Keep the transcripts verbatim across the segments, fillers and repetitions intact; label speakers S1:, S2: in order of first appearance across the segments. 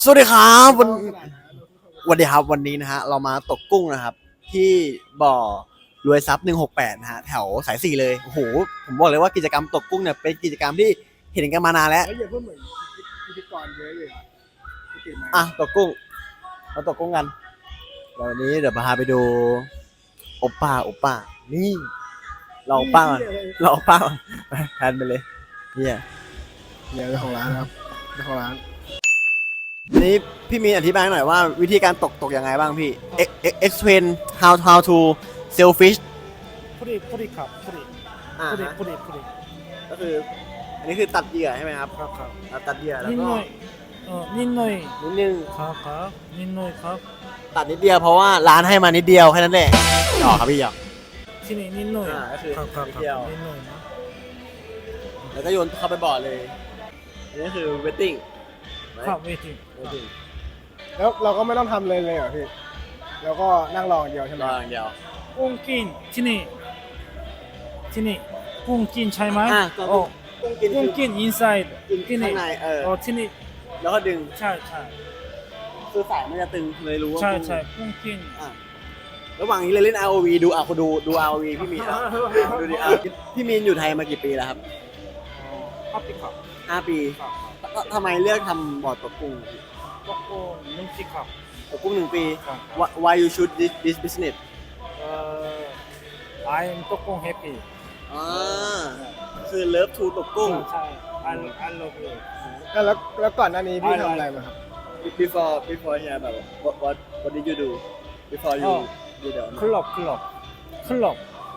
S1: สวัสดีครับวันวันดีครับวันนี้นะฮะเรามาตกกุ้งนะครับ ที่บ่อรวยทรัพย์หนึ่งหกแปดนะฮะแถวสายสี่เลยโอ้โหผมบอกเลยว่ากิจกรรมตกกุ้งเนี่ยเป็นกิจกรรมที่เห็นกันมานานแล้ว
S2: เฮ้ยอย่าพูดเหมือนพิธีกรเยอะเลยพิธีมา
S1: อ่ะตกกุ้งเราตกกุ้งกันวันนี้เดี๋ยวพาไปดูโอป้าโอป้านี่เราโอป้าก่อนเราโอป้าก่อนไปแพนไปเลยเนี่ย
S2: เดี๋ยวเจ้าของร้านนะครับเจ้าของร้าน
S1: อันนี้พี่มีนอธิบายหน่อยว่าวิธีการตกตกยังไงบ้างพี่ explain how how to sell fish
S3: プリプリครับプリ
S1: อ่า
S3: プリ
S1: ฮะ
S3: プリプリ
S1: ก็คืออันนี้คือตัดเหยื่อใช่ไหมครับ
S3: ครับครับ
S1: เราตัดเหยื่อแล้ว
S3: นิด
S1: ก็
S3: หน่อยเออนิดหน่อย
S1: นิดนึง
S3: ครับครับนิดหน่อยครับ
S1: ตัดนิดเดียวเพราะว่าร้านให้มานิดเดียวแค่นั้นแหละหยอกครับพี่หยอก
S3: ที่นี่นิดหน่อย
S1: อ่าก็คือ
S3: ครับครับ
S1: นิด
S3: ค
S1: เดียว
S3: รับนิดหน่อยนะ
S1: แล้วก็โยนเข้าไปบ่อเลยอันนี้คือ wetting
S3: ครับเวที
S1: wetting
S2: แล้วเราก็ไม่ต้องทำเลยเลยเหรอพี่เราก็นั่งรออย่างเดียวใช่ไหม
S1: รออย่างเดียว
S3: กุ้งกินที่นี่ที่นี่กุ้งกินใช่ไหม
S1: อ่ะก็
S3: โอ้
S1: กุ้งกิน
S3: กุ้ง
S1: คือ
S3: กิน inside
S1: กิน
S3: ที่
S1: ข้า
S3: นี่
S1: งในเออ
S3: โอ้ที่นี่
S1: แล้วก็ดึง
S3: ใช่ใช่
S1: คือสายมันจะตึงเลยรู้ว่า
S3: ใช่
S1: กุ้ง
S3: ใช่กุ้งกิน
S1: อ่ะระหว่างนี้เลยเล่น อาร์ โอ วี ดูอ่ะคุณดูดู อาร์ โอ วี พี่มีนอ่ะดูดิอ่ะพี่มีนอยู่ไทยมากี่ปีแล้วครับ
S3: ฮัปปี้ครับ
S1: ห้าปี
S3: ครับครับ
S1: ททำไมเลือกทำบ่อตกกุ้ง
S3: ก็โอ้นุ่มจิครับ
S1: ตกกุ้งหนึ่งปี
S3: ครับ
S1: Why- Why you choose this this business
S3: เอ่อ I'm ตกกุ้ง happy
S1: อ่าคือ love to ตกกุ้ง
S3: ใช่ I I love you
S2: แล้วแล้วแล้วก่อนหน้านี้พี่ทำอะไรมาครับ
S1: before before here แบบ what what what did you do before you
S3: อ๋อ
S1: do the
S3: club club club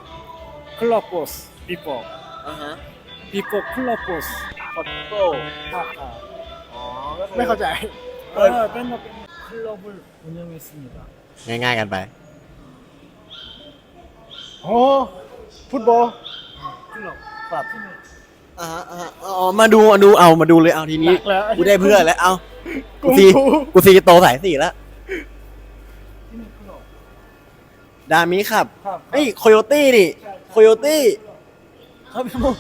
S3: club boss before
S1: อ่าฮะ
S3: before club boss
S1: photo
S3: ครับครับ
S1: อ๋อก็คือ
S2: ไม่เข้าใจ
S3: เออเป็นเป็น 클럽을 운영했습니다.
S1: ง่ายๆกันไป
S2: โอ้ฟุตบอล
S3: 클럽
S1: ครับ อ่าฮะอ่าฮะอ๋อมาดูมาดูเอามาดูเลยเอาทีนี้
S2: หนักแล้ว
S1: กูได้เพื่อนแล้วเอา
S2: กู
S1: กูซี
S2: กู
S1: กูซีโตสายสี่แล้ว
S3: 티니 클럽
S1: ดามิครับ
S3: ครับ
S1: เฮ้ยโคโยตี้ดิโคโยตี้เขาเป็นพวก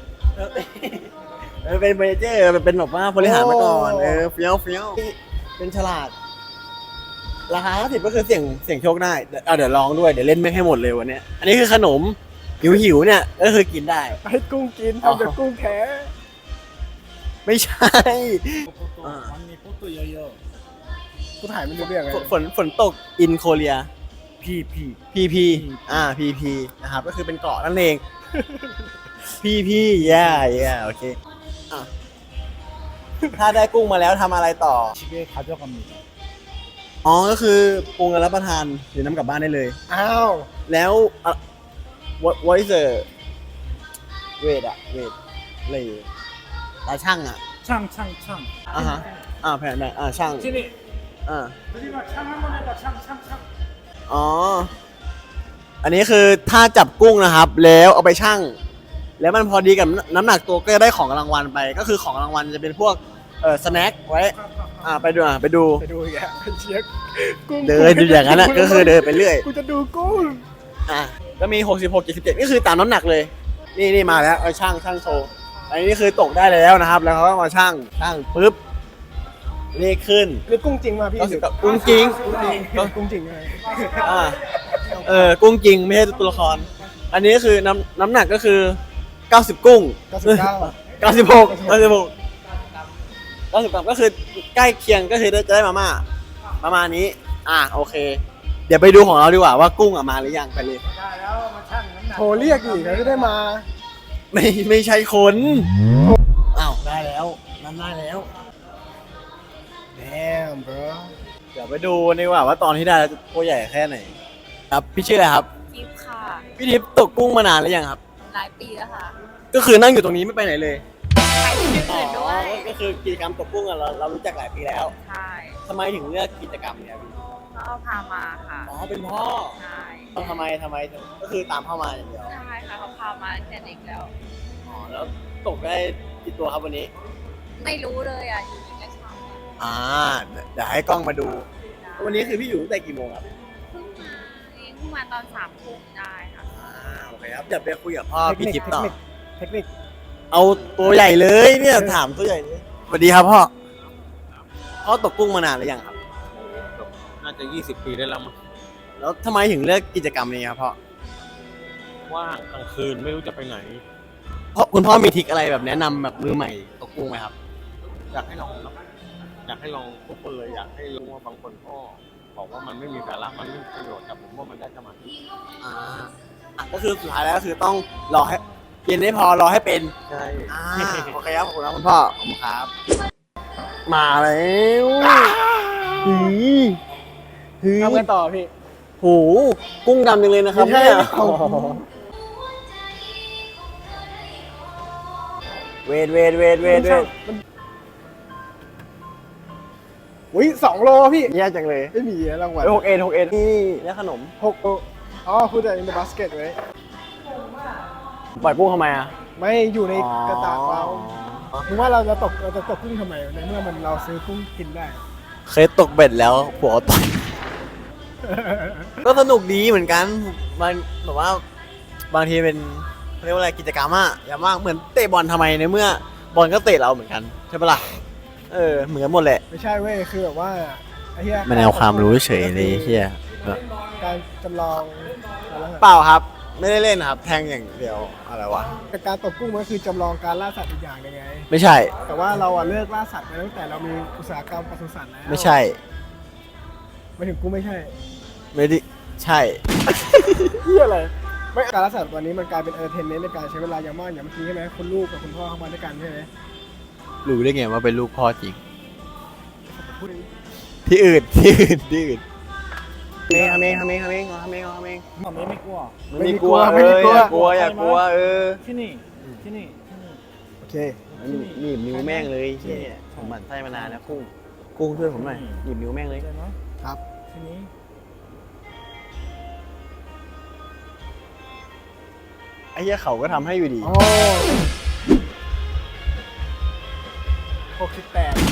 S1: เออเป็นเมเจอร์เป็นแบบว่าบริหารมาก่อนเออเฟี้ยวเฟี้ยวเป็นฉลาดราคาห้าสิบก็คือเสี่ยงเสี่ยงโชคได้เดี๋ยวเอาเดี๋ยวลองด้วยเดี๋ยวเล่นไม่ให้หมดเลยวันเนี้ยอันนี้คือขนมหิวหิวๆเนี่ยก็คือกินได้
S2: ให้กุ้งกิน
S1: อ๋อ
S2: ทำจากกุ้งแท้
S1: ไม่ใช่
S3: 포토
S1: 아.
S3: 언니 포토 여여
S2: กูถ่ายไม่รู้เรื่องเลย
S1: ฝนฝนฝนตกอินโคเรีย
S3: PP
S1: พีพีอ่าพีพีนะครับก็คือเป็นเกาะนั่นเองพีพีแย่แย่โอเคอ่ะถ้าได้กุ้งมาแล้วทำอะไรต่อ
S3: 집에 가져갑니다.
S1: อ๋อก็คือปรุงแล้วรับประทานหรือน้ำกลับบ้านได้เลย
S2: อ้าว
S1: แล้วอ่ะ what what is the weight อะ weight อะไรตาช่างอะ
S3: 창창창.
S1: อ่าฮะอ่าแผ่นแผ่นอ่าช่าง
S3: 티니
S1: อ่า
S3: 우리가 창 한번 해봐 창창창.
S1: อ๋ออันนี้คือถ้าจับกุ้งนะครับ แล้วเอาไปชั่ง แล้วมันพอดีกับน้ำหนักตัวก็จะได้ของรางวัลไป ก็คือของรางวัลจะเป็นพวกเอ่อสแน็คไว้ อ่าไปดูอ่ะไปดู
S2: ไปดูอีกแล้วเชียร์กุ้ง
S1: เดินอยู่อย่างนั้นนะก็คือเดินไปเรื่อย
S2: กูจะดูกุ้ง
S1: อ่ะก็มีหกสิบหก เจ็ดสิบเจ็ดนี่คือตามน้ำหนักเลย นี่นี่มาแล้วเอาช่างช่างโชว์อันนี้คือตกได้แล้วนะครับ แล้วเขาก็มาช่างช่างปุ๊บเลขขึ้น
S2: นี่กุ้งจริงมาพี่
S1: ก็สิบกุ้งจริง
S2: ก็กุ้งจริงไง
S1: อ่าเออกุ้งจริงไม่ใช่ตัวละคร อันนี้คือน้ำน้ำหนักก็คือเก้าสิบกุ้ง
S2: เก้าสิบเก้า
S1: เก้าสิบหกเก้าสิบหกเก้าสิบกรัมก็คือใกล้เคียงก็คือจะได้มาม่าประมาณนี้ อ่ะโอเค เดี๋ยวไปดูของเราดีกว่าว่ากุ้งอ่ะมาหรือยังไปเลย
S2: โทรเรียกอีกแล้วจะได้มา
S1: ไม่ไม่ใช่คน อ้าวได้แล้วนั่นได้แล้ว
S2: damn bro
S1: เดี๋ยวไปดูดีกว่าว่าตอนที่ได้แล้วตัวใหญ่แค่ไหน ครับพี่ชื่ออะไรครับ
S4: ทิปค่ะ
S1: พี่ทิพย์ตกกุ้งมานานหรือยังครับ
S4: หลายปีแล้วค่ะ
S1: ก็คือนั่งอยู่ตรงนี้ไม่ไปไหนเลย
S4: ขายที่อื่นด้วย
S1: ก็คือกิจกรรมตกกุ้งอะเราเรารู้จักหลายปีแล้ว
S4: ใช่
S1: ทำไมถึงเลือกกิจกรรมเนี้ยพี่
S4: เขาเอาพามาค่ะ
S1: อ๋อเป็นพ่อ
S4: ใช่
S1: ทำไมทำไมถึงก็คือตามเข้ามาอย่างเดียว
S4: ใช่ค่ะเขาพามาตั้งแต่เด็กแล้ว
S1: อ๋อแล้วตกได้กี่ตัวครับวันนี้
S4: ไม่รู้เลยอ่ะอยู่ดีก็ชอบ
S1: อ่าเดี๋ยวให้กล้องมาดู วันนี้คือพี่อยู่ตั้งแต่กี่โมงครับ
S4: เพิ่งมาเองเพิ่งมาตอนสามทุ่มได้ค่ะ
S1: อ่าโอเคครับเดี๋ยวไปคุยกับพ่อพี่ทิพย์ต่อ
S2: เทคนิค
S1: เอาตัวใหญ่เลยเนี่ยถามตัวใหญ่เลยสวัสดีครับพ่อ
S3: 어
S1: พ่อตกกุ้งมานานหรือยังครับ
S5: น่าจะยี่สิบปีได้แล้วมั้ง
S1: แล้วทำไมถึงเลือกกิจกรรมนี้ครับพ่อ
S5: ว่างกลางคืนไม่รู้จะไปไหน
S1: เพราะคุณพ่อมีทริคอะไรแบบแนะนำแบบมือใหม่ตกกุ้งไหมครับ
S5: อยากให้ลองครับอยากให้ลองทุกคนเลยอยากให้รู้ว่าบางคนก็บอกว่ามันไม่มีสาระมันไม่มีประโยชน์แต่ผมว่ามันได้สมาธิ
S1: อ่าอ่ะก็คือสุดท้ายแล้วก็คือต้องรอให้เย็นได้พอรอให้เป็น
S5: ใช่
S1: อ่าโอเคครับขอบคุณครับคุณพ่อขอบคุณครับ มาแล้วหือหือ
S2: ทำกันต่อพี่
S1: โหกุ้งดำจังเลยนะครับ
S2: ไม่ใช่
S1: เนี่ย
S2: เอา
S1: เวทเวทเวทเวทเวท
S2: อุ้ยสองโลพี่
S1: แย่จังเลย
S2: ไม่มีรางวัล
S1: หกเอ็ดหกเอ็ดนี่แล้วขนม
S2: หกโลอ๋อพูดแต่ in the basket ไว้
S1: ปล่อยกุ้งทำไมอ่ะ
S2: ไม่อยู่ในกระตากเรามึงว่าเราจะตกเราจะตกกุ้งทำไมในเมื่อมันเราซื้อกุ้งกินได้
S1: เคยตกเบ็ดแล้วผัวต่อย ก็สนุกดีเหมือนกันมันแบบว่าบางทีเป็นเรียกว่าอะไรกิจกรรมอะอย่างมากเหมือนเตะบอลทำไมในเมื่อบอลก็เตะเราเหมือนกันใช่ปะล่ะเออเหมือนกันหมดแหละ
S2: ไม่ใช่เว้ยคือแบบว่าไอ้เหี้ย
S1: มันเอาความรู้เฉยเลยเฮีย
S2: การจำลองอะไรวะ
S1: เปล่าครับ ไม่ได้เล่นครับ แทงอย่างเดียวอะไรวะ
S2: แต่การตกกุ้งมันคือจำลองการล่าสัตว์อีกอย่างหนึงไง
S1: ไม่ใช่
S2: แต่ว่าเราอะเลิกล่าสัตว์ไปตั้งแต่เรามีอุตสาหกรรมปศุสัตว์แล้ว
S1: ไม่ใช่
S2: ไม่ถึงกูไม่ใช่
S1: ไม่ได้ใช่
S2: เหี้ยอะไรไม่การล่าสัตว์วันนี้มันกลายเป็นเออเทนเนในการใช้เวลาอย่างมากอย่างเมื่อกี้ใช่ไหมคุณลูกกับคุณพ่อเข้ามาด้วยกันใช่ไหม
S1: รู้ได้ไงว่าเป็นลูกพ่อจริง
S2: พูดอย่างนี้
S1: ที่อื่นที่อื่นที่อื่นเมงเมงเมงเมงเมงเมง
S3: หม่อมไม่กลัว
S1: ไม่ได้กลัวเอออย่ากลัวอย่ากลัวเออ
S3: ที่นี่ที่นี่ที่นี่
S2: โอเค
S1: หนีบนิ้วแม่งเลยเฮียผมหมั่นไส้มานานแล้วกุ้งกุ้งช่วยผมหน่อยหนีบนิ้วแม่งเลย
S3: เลยเนาะ
S2: ครับ
S3: ที่นี้
S1: ไอ้เหี้ยเขาก็ทำให้อยู่ดี
S2: อ๋อหกสิบแปด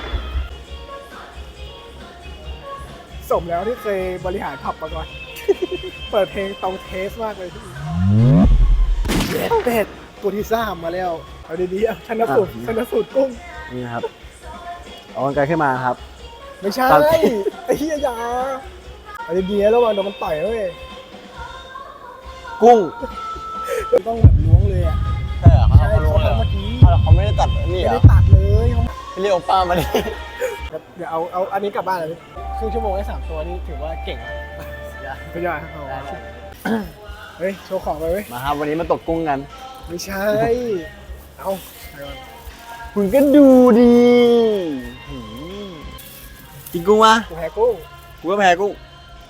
S2: สมแล้วที่เคยบริหารผับมาก่อน เปิดเพลงตรงเทสมากเลยพี่เจ็ดเป็ดตัวที่สามมาแล้ว เอาดีๆเอาชันสูตรชันสูตรกุ้ง
S1: นี่นะครับเอากางไกลขึ้นมาครับ
S2: ไม่ใช่
S1: ตาม
S2: ไอ้เหี้ยอยาเอาดีๆระวังโดนมันต่อยเว้ย
S1: กุ้ง
S2: มันต้องแบบล้วงเลยอ่ะ
S1: ใช่เหรอเขา
S2: ใช่
S1: เขารู้
S2: เขา
S1: เลยเหรอ
S2: ทำเมื่อกี้
S1: เขาเขาไม่ได้ตัดนี่
S2: ไม่
S1: เหรอ
S2: ได้ตัดเลยเขา
S1: เรียกโอป้ามาดิ
S2: เดี๋ยวเอาเอาอันนี้กลับบ้านเลยครึ่งชั่วโมงได้สามตัวนี่ถือว่าเก่งไม่ได้เอาเฮ้ยโชว์ของไปเว้ย
S1: มาครับวันนี้มาตกกุ้งกัน
S2: ไม่ใช่ เอาไปก่อน
S1: คุณก็ดูดีหืมกินกุ้งวะ
S2: กูแพ้กุ้ง
S1: กูก็แพ้กุ้ง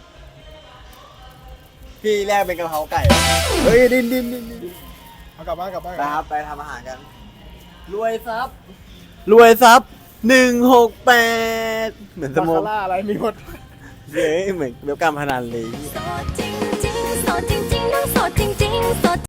S1: พี่แรกเป็นกะเพราไก่
S2: เฮ้ยดินดินดินดินเอากลับบ้านกลับบ้าน
S1: นะครับไปทำอาหารกัน รวยทรัพย์รวยทรัพย์หนึ่งหกแปดเหมือนส
S2: บา
S1: โม
S2: คาร่าอะไรมีหมด
S1: เย้เหมือนเวลกรรมพนันเลย
S6: โสดจริงจริงๆโสดจริงๆต้องโสดจริงๆโสด